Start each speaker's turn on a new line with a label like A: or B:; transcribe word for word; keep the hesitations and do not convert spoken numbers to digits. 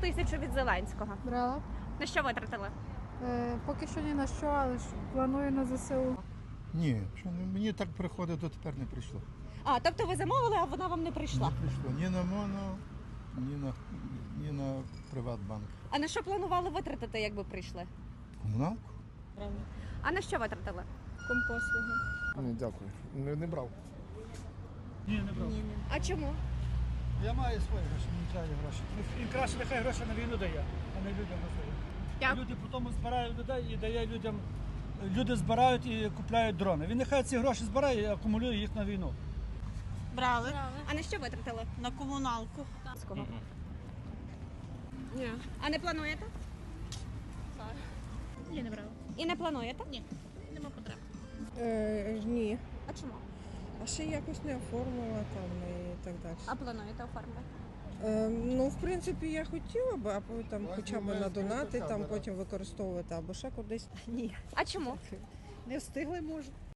A: тисячу від Зеленського.
B: Брала.
A: На що витратили?
B: Е, поки що ні на що, але ж планую на ЗСУ.
C: Ні, що не- мені так приходить, дотепер не прийшло.
A: А, тобто ви замовили, а вона вам не прийшла.
C: Не прийшло ні на моно, ні на, ні на Приватбанк.
A: А на що планували витратити, якби прийшли?
C: Комуналку?
A: А на що витратили?
B: Компослуги.
D: Ні, дякую. Не, не брав.
E: Ні, не брав.
A: А чому?
E: Я маю свої гроші, мені треба гроші. Він краще нехай гроші на війну дає, а не людям на свої.
A: Дякую.
E: Люди потім збирають людей і дає людям. Люди збирають і купляють дрони. Він нехай ці гроші збирає і акумулює їх на війну.
F: Брали
A: А на що витратили?
F: на комуналку.
A: Ні. А не плануєте?
F: Ні, не брала.
A: І не плануєте?
F: Ні, нема потреб.
G: Е, ні.
A: А чому?
G: А ще якось не оформила там і так далі.
A: А плануєте оформити?
G: Е, ну, в принципі, я хотіла б, або там хоча б на донати, там потім використовувати, або ще кудись. Ні.
A: А чому?
G: Не встигли, може.